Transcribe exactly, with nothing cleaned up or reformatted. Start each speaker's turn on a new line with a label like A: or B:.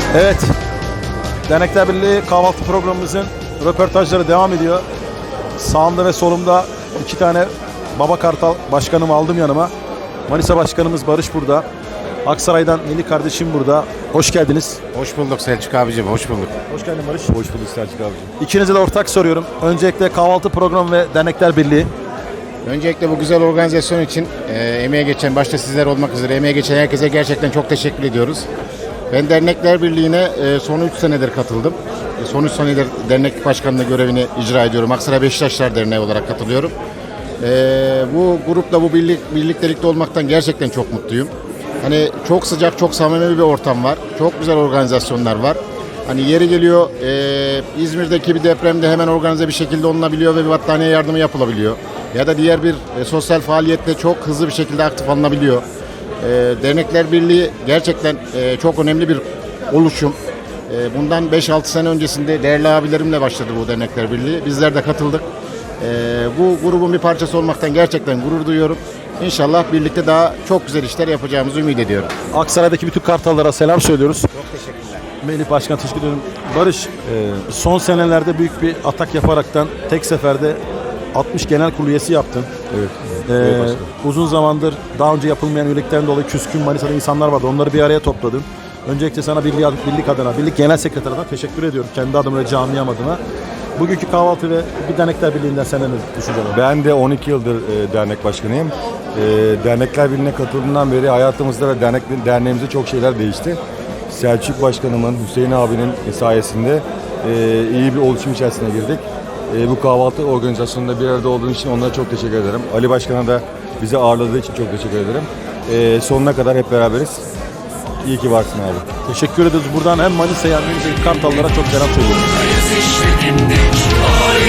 A: Evet, Dernekler Birliği kahvaltı programımızın röportajları devam ediyor. Sağımda ve solumda iki tane Baba Kartal başkanımı aldım yanıma. Manisa Başkanımız Barış burada. Aksaray'dan Melih kardeşim burada. Hoş geldiniz.
B: Hoş bulduk Selçuk abicim, hoş bulduk.
A: Hoş geldin Barış.
C: Hoş bulduk Selçuk abicim.
A: İkinize de ortak soruyorum. Öncelikle kahvaltı programı ve Dernekler Birliği.
B: Öncelikle bu güzel organizasyon için e, emeğe geçen, başta sizler olmak üzere emeğe geçen herkese gerçekten çok teşekkür ediyoruz. Ben Dernekler Birliği'ne e, son üç senedir katıldım. E, son üç senedir dernek başkanlığı görevini icra ediyorum. Aksaray Beşiktaşlar Derneği olarak katılıyorum. E, bu grupla, bu birlik, birliktelikte olmaktan gerçekten çok mutluyum. Hani çok sıcak, çok samimi bir ortam var. Çok güzel organizasyonlar var. Hani yeri geliyor e, İzmir'deki bir depremde hemen organize bir şekilde olunabiliyor ve bir battaniye yardımı yapılabiliyor. Ya da diğer bir e, sosyal faaliyette çok hızlı bir şekilde aktif alınabiliyor. E, Dernekler Birliği gerçekten e, çok önemli bir oluşum. E, bundan beş altı sene öncesinde değerli abilerimle başladı bu Dernekler Birliği. Bizler de katıldık. E, bu grubun bir parçası olmaktan gerçekten gurur duyuyorum. İnşallah birlikte daha çok güzel işler yapacağımızı ümit ediyorum.
A: Aksaray'daki bütün kartallara selam söylüyoruz.
B: Çok teşekkürler.
A: Melih Başkan teşekkür ediyorum. Barış, e, son senelerde büyük bir atak yaparaktan tek seferde altmış genel kurulu üyesi yaptın.
C: Evet.
A: Ee,
C: evet başkanım.
A: uzun zamandır daha önce yapılmayan üyelikten dolayı küskün Manisa'da insanlar vardı. Onları bir araya topladın. Öncelikle sana birlik, birlik adına, birlik genel sekreter adına teşekkür ediyorum. Kendi adıma ve camiam adına. Bugünkü kahvaltı ve bir Dernekler Birliği'nden sana ne düşüncen var?
C: Ben de on iki yıldır e, dernek başkanıyım. E, Dernekler Birliği'ne katıldığımdan beri hayatımızda ve dernek, derneğimizde çok şeyler değişti. Selçuk Başkanımın, Hüseyin abinin sayesinde e, iyi bir oluşum içerisine girdik. E, bu kahvaltı organizasyonunda bir arada olduğun için onlara çok teşekkür ederim. Ali Başkan'a da bizi ağırladığı için çok teşekkür ederim. E, sonuna kadar hep beraberiz. İyi ki varsın abi.
A: Teşekkür ediyoruz. Buradan hem Manisa'ya hem de Kartallara çok selam söylüyorum.